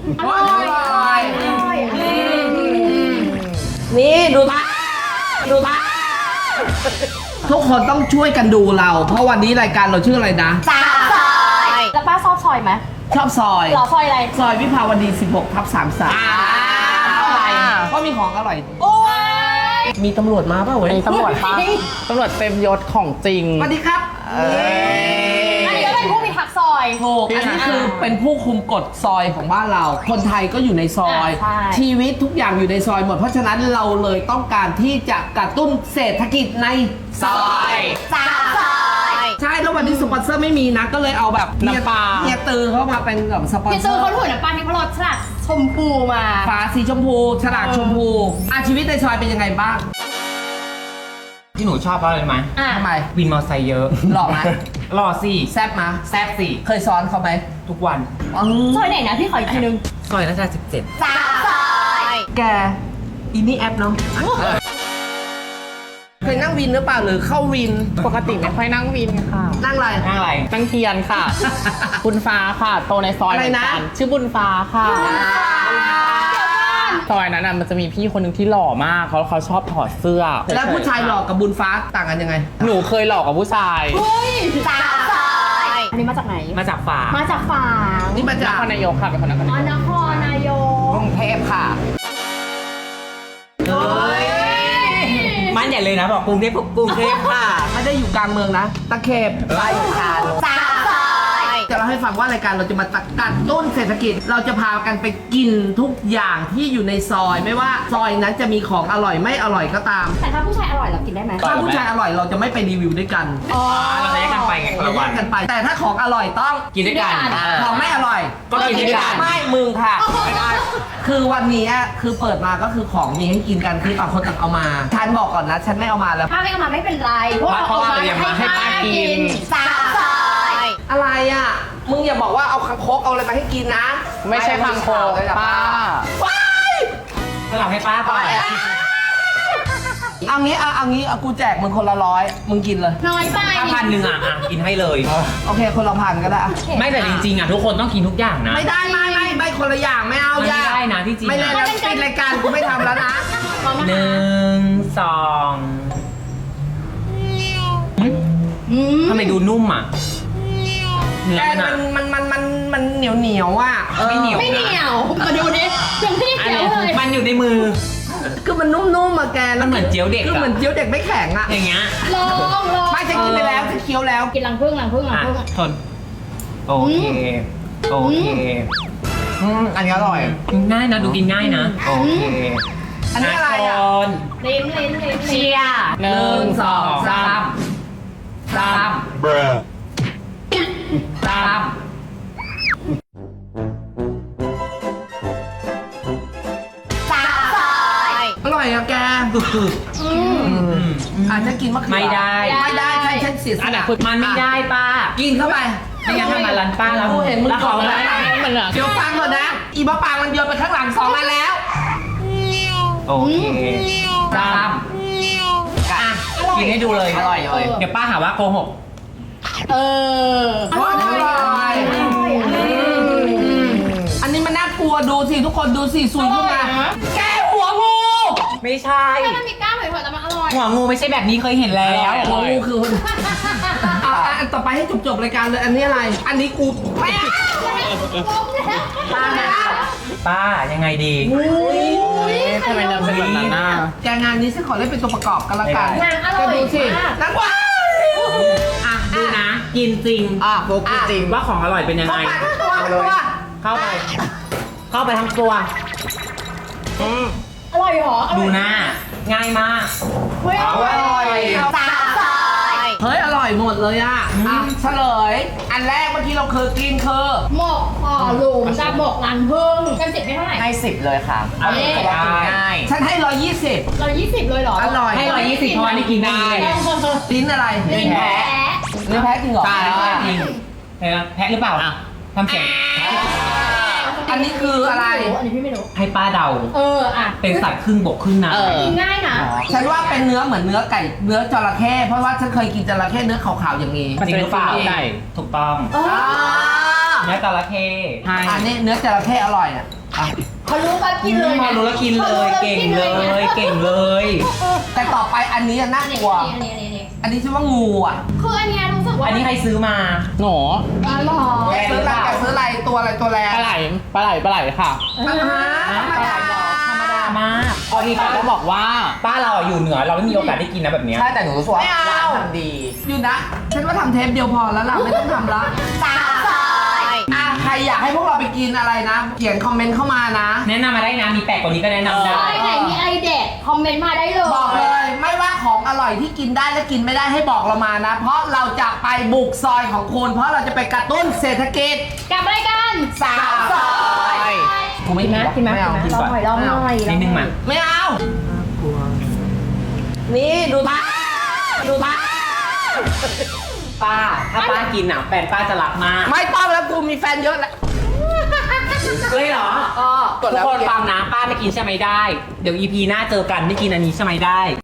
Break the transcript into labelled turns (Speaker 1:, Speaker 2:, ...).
Speaker 1: อร่อยนี่ดูทุกคนต้องช่วยกันดูเรา เพราะวันนี้รายการเราชื่ออะไรนะ
Speaker 2: ซอยแล้วป้าชอบซอยไหม
Speaker 1: ชอบซอย
Speaker 2: หรอซอยอะไร
Speaker 1: ซอยวิภาวดี 16/33เพราะมีของอร่อย
Speaker 2: โอ้ย
Speaker 1: มีตำรวจมาป่ะเว้ย
Speaker 3: มีตำรวจปะตำรวจเต็มยศของจริง
Speaker 1: สวัสดีครับ
Speaker 2: อันนี้ก็เป็นผู้พิทักษ์ซอย
Speaker 1: ถูกอันนี้คือเป็นผู้คุมกฎซอยของบ้านเรา คนไทยก็อยู่ในซอย
Speaker 2: ใช่
Speaker 1: ชีวิตทุกอย่างอยู่ในซอยหมด เพราะฉะนั้นเราเลยต้องการที่จะกระตุ้นเศรษฐกิจในซอย
Speaker 2: ซอย
Speaker 1: ใช่ แล้ววันนี้สปอนเซอร์ไม่มีนะ ก็เลยเอาแบบ
Speaker 3: น้ำปลา
Speaker 1: เฮียตือเข้ามาเป็นแบบสปอน
Speaker 2: พี่
Speaker 1: เซ
Speaker 2: ซื้
Speaker 1: อ
Speaker 2: อ
Speaker 1: ร์
Speaker 2: เขาถุยน้ำปลาที่พรสฉลากชมพูมา
Speaker 1: ฟ้าสีชมพู ฉลากชมพูชีวิตในซอยเป็นยังไงบ้าง
Speaker 4: ที่หนูชอบเพราะอะไรรู้ไหม
Speaker 2: อ่ะ
Speaker 1: ทำไม
Speaker 4: วินมอไซค์เยอะ
Speaker 1: หล่อไหม
Speaker 4: หล่อสิ
Speaker 1: แซ่บมา
Speaker 4: แซ่บสิ
Speaker 1: เคยซ้อนเขาไหม
Speaker 4: ทุกวัน
Speaker 2: ซอยไหนนะพี่ขออีกทีนึง
Speaker 4: ซอยรัชดา17
Speaker 2: ซอย
Speaker 1: แกอีนี่แอปเนาะเคยนั่งวินหรือเปล่าหรือเข้าวิน
Speaker 3: ปกติไม่ค่อยนั่งวินค่ะ
Speaker 1: นั่งอะไร
Speaker 4: นั่งอะไร
Speaker 3: นั่งเทียนค่ะ บุญฟ้าค่ะ โตในซอย
Speaker 1: อะไร
Speaker 3: เหมือน
Speaker 1: นะ
Speaker 3: กันชื่อบุญฟ้าค่ะ ซอยนั้นน่ะมันจะมีพี่คนหนึ่งที่หล่อมากเขาชอบถอดเสื้อ
Speaker 1: แล้วผู้ชายหลอกกับบุญฟ้าต่างกันยังไง
Speaker 3: หนูเคยหลอกกับผู้ชาย
Speaker 2: เฮ้ยซอยอันนี้มาจากไหน
Speaker 4: มาจากฝา
Speaker 2: มาจากฝาง
Speaker 1: นี่มาจาก
Speaker 3: นครนายกค่ะเป็นคนนคร
Speaker 2: อ๋อน
Speaker 3: ายก
Speaker 2: ครนายก
Speaker 1: กรุงเทพค่ะ
Speaker 4: มันใหญ่เลยนะบอกกรุงเทพค่ะ
Speaker 1: ไม่ได้อยู่กลางเมืองนะ ตะเข็บไปค่ะ
Speaker 2: ซอย
Speaker 1: จะเล่าให้ฟังว่ารายการเราจะมากัดต้นเศรษฐกิจ เราจะพากันไปกินทุกอย่างที่อยู่ในซอย ไม่ว่าซอยนั้นจะมีของอร่อยไม่อร่อยก็ตาม
Speaker 2: แต่ถ้าผู้ชายอร่อยเรากินได้ไหม
Speaker 1: ถ้าผู้ชายอร่อยเราจะไม่ไปรีวิวด้วยกัน
Speaker 2: อ๋อ
Speaker 4: เราจะแยกกันไปไงคน
Speaker 1: เรา
Speaker 4: ละ
Speaker 1: แย
Speaker 4: วัน
Speaker 1: กกันไป แต่ถ้าของอร่อยต้อง
Speaker 4: กินด้วยกัน
Speaker 1: ของไม่อร่อย
Speaker 4: ก็กินด้วยกัน
Speaker 1: ไม่มึงค่ะไม่ได้คือวันนี้คือเปิดมาก็คือของมีให้กินกันคือต่างคนต่างเอามาฉันบอกก่อนนะ ฉันไม่เอามาแล้ว
Speaker 2: ถ้าไม่เอามาไม่เป็นไรเพราะว่า
Speaker 4: เพราะว่า
Speaker 2: เอา
Speaker 4: เตรียมมาให้ป้ากิน
Speaker 2: ซอย
Speaker 1: อะไรอ่ะ มึงอย่าบอกว่าเอาคังคกเอาอะไรมาให้กินนะ
Speaker 3: ไม่ใช่คางคก
Speaker 1: เลยนะ
Speaker 3: ป้า
Speaker 1: ว้าย
Speaker 4: ก็เราให้ป้าก่อน
Speaker 1: เอางี้เอากูแจกมึงคนละ100มึงกินเลย
Speaker 2: น้อยไป
Speaker 4: ถ้า1,000อ่ะกินให้เลย
Speaker 1: โอเคคนละพันก็ได้อะ
Speaker 4: ไม่แต่จริงๆอ่ะทุกคนต้องกินทุกอย่างนะ
Speaker 1: ไม่ได้ไม่คนละอย่างไม่เอา
Speaker 4: มันไม่
Speaker 1: อย่า
Speaker 4: ได้นะที่จริงอะ
Speaker 1: ไม่เล่นแล้วปิดรายการกูไม่ทำแล้วนะ
Speaker 4: 1 2ทำไมดูนุ่มอ่ะเนื้อ
Speaker 1: แก มันเหนียวอ่ะ
Speaker 4: ไม่เหนียว
Speaker 2: ไม่เหนียวมาดูดิยังไม่ได้เจียวเลย
Speaker 4: มันอยู่ในมือ
Speaker 1: คือมันนุ่มๆอะแก
Speaker 4: มันเหมือนเจียวเด็กอะ
Speaker 1: คือเหมือนเจียวเด็กไม่แข็งอะ
Speaker 4: อย่างเงี้ย
Speaker 2: ลอง
Speaker 1: ไม่ฉันกินไปแล้วฉันเคี้ยวแล้ว
Speaker 2: กินรังผึ้ง
Speaker 4: อ่ะทนโอเคโอเค
Speaker 1: อันนี้อร่อย
Speaker 4: ง่ายนะดูกินง่ายนะโอเค
Speaker 1: อันนี้อะไรอะ
Speaker 4: คน
Speaker 2: ลิ้น
Speaker 4: เชียร์
Speaker 3: 1 2 3
Speaker 4: 3
Speaker 1: อร่อยอะแก
Speaker 4: คือ
Speaker 1: ฉันกินมะเขือ
Speaker 4: ไม่ได้
Speaker 1: ไม่ได้ฉันเสียส
Speaker 3: อันไหน
Speaker 1: ละ
Speaker 3: คือ
Speaker 4: มันไม่ได้ป้า
Speaker 1: กินเข้าไป
Speaker 4: ไม่งั้นทำมาร้านป้าแล้ว
Speaker 1: กูเห็นมึง
Speaker 4: แล้ว
Speaker 1: ก
Speaker 4: เขา
Speaker 1: ด
Speaker 4: แบ
Speaker 1: แล้ว
Speaker 4: บ
Speaker 3: มันเหรอ
Speaker 1: เดี๋ยวฟังก่อนนะ อีมะปางมันโยนไปข้างหลัง2อันแล้ว
Speaker 4: โอเคตามอ่ะกินให้ดูเลย
Speaker 1: อร่อยเลย
Speaker 4: เดี๋ยวป้าหาว่าโกหก
Speaker 2: เออ
Speaker 1: อร่อยอันนี้มันน่ากลัวดูสิทุกคนดูสิซุยขึ้นมาแกหัวงู
Speaker 4: ไม่ใช่
Speaker 2: ถ้ามันมีกล้ามหอยๆแล้วมันอร่อย
Speaker 4: หัวงูไม่ใช่แบบนี้เคยเห็นแล้ว
Speaker 1: หัวงูคืออันต่อไปให้จบรายการเลยอันนี้อะไร อันนี้กูแม่
Speaker 2: ป้า
Speaker 4: ป้ายังไงดี
Speaker 3: ทำไมเราเป็นแบบนั้นน่ะ
Speaker 1: แกงานนี้ฉันขอเล่นเป็นตัวประกอบกันละกัน
Speaker 2: นางอร่อย
Speaker 1: ก็ดูสิ
Speaker 2: มาก
Speaker 1: นักว่า
Speaker 4: อ่ะดูนะ กินจริง
Speaker 3: โฟกัสจริง
Speaker 4: ว่าของอร่อยเป็นยังไง เข้าไป เข้าไปทั้งตัว
Speaker 2: อร่อยเหรอ
Speaker 4: ดูหน้า ง่ายมาก
Speaker 2: เฮ้ยอร่อย
Speaker 1: ซอยอร่อยหมดเลยอ่ะเฉลย อันแรกเมื่อกี้เราเคยกินคือ
Speaker 2: หมกห่อหลุมกับหมกรังผึ้งกัน10ไม่เท่าไหร่
Speaker 3: ให้ 10 เลยค่ะ
Speaker 4: อร่อยง่าย
Speaker 1: ฉันให้ 120
Speaker 2: 120เลยเหรอ
Speaker 1: อร่อย
Speaker 4: ให้120เพราะว่านี่กินได้
Speaker 1: ลิ้นอะไร
Speaker 2: ลิ้นแพ้
Speaker 1: ลิ้นแพ้จริงเหรอ
Speaker 3: ใช่
Speaker 4: จริงเห็นไหมแพะหรือเปล่าทำเสียง
Speaker 1: อันนี้คืออะไร
Speaker 2: อันนี้พี่ไม่รู้
Speaker 4: ให้ป้าเดา
Speaker 2: อ่ะ
Speaker 4: เป็นสัตว์ครึ่งบกครึ่งน้
Speaker 3: เออ
Speaker 2: กินง่ายนะ
Speaker 1: ฉันว่าเป็นเนื้อเหมือนเนื้อไก่เนื้อจระเข้เพราะว่าฉันเคยกินจระเข้เนื้อขาวๆอย่างนี้
Speaker 4: ำจริงหรือเปล่า
Speaker 3: ใช่
Speaker 4: ถูกต้อง
Speaker 2: เออ
Speaker 4: เนื้อจระเข้
Speaker 3: ใช่
Speaker 1: อันนี้เนื้อจระเข้อร่อยอ่ะอ่ะ
Speaker 2: เขารู้กันกินเลย
Speaker 4: มารู้แล้วกินเลย เก่งเลย เก่งเลย
Speaker 1: แต่ต่อไปอันนี้น่ากลัว อันนี้ชื่อว่างูอ่ะ
Speaker 2: คืออันเนี้ยรู้สึกว่า
Speaker 4: อันนี้ใครซื้อมา
Speaker 3: หนู
Speaker 2: อร่อย
Speaker 1: แกซื้ออะไรแกซื้ออะไรตัวอะไรตัวแรง
Speaker 3: ปลาไหลค่ะ
Speaker 1: ธรรมดา
Speaker 4: ธรรมดามากพอดี
Speaker 3: ป้า
Speaker 4: ป้า
Speaker 3: ก็บอกว่า
Speaker 4: ป้าเราอยู่เหนือเราไม่มีโอกาสได้กินนะแบบเนี้ย
Speaker 5: ใช่แต่หนูรู้สึกว่า
Speaker 1: ไม่เอา
Speaker 5: ร้านทำดี
Speaker 1: อยู่นะ ฉันว่าทำเทปเดียวพอแล้วล่ะ ไม่ต้องทำละ
Speaker 2: สาวซอย
Speaker 1: อ่ะใครอยากให้พวกเราไปกินอะไรนะ เขียนคอมเมนต์เข้ามานะ
Speaker 4: แนะนำมาได้นะ มีแปลกกว่านี้ก็แนะนำได้
Speaker 2: ซอยไหนมีไอเด็ดคอมเมนต์มาได้เลย
Speaker 1: บอกเลยไม่ว่าของอร่อยที่กินได้และกินไม่ได้ให้บอกเรามานะ เพราะเราจะไปบุกซอยของคุณ เพราะเราจะไปกระตุ้นเศรษฐกิจ
Speaker 2: กับรายการ
Speaker 1: สาวซอย
Speaker 4: กูไม่กิน
Speaker 2: กินไหม
Speaker 1: ไม่เอา
Speaker 2: ลองหน่อยลองหน่อย
Speaker 4: นิดนึงมา
Speaker 1: ไม่เอา นี่ดูตาดูตา
Speaker 4: ป้า ถ้าป้ากินอ่ะแฟนป้าจะรักมาก
Speaker 1: ไม่ต้องแล้วกูมีแฟนเยอะแล้ว
Speaker 4: เลยเหรอ
Speaker 1: ก็
Speaker 4: ทุกคนฟังนะ ป้าไม่กินใช่ไหมได้ เดี๋ยว EP หน้าเจอกันไม่กินอันนี้ใช่ไหมได้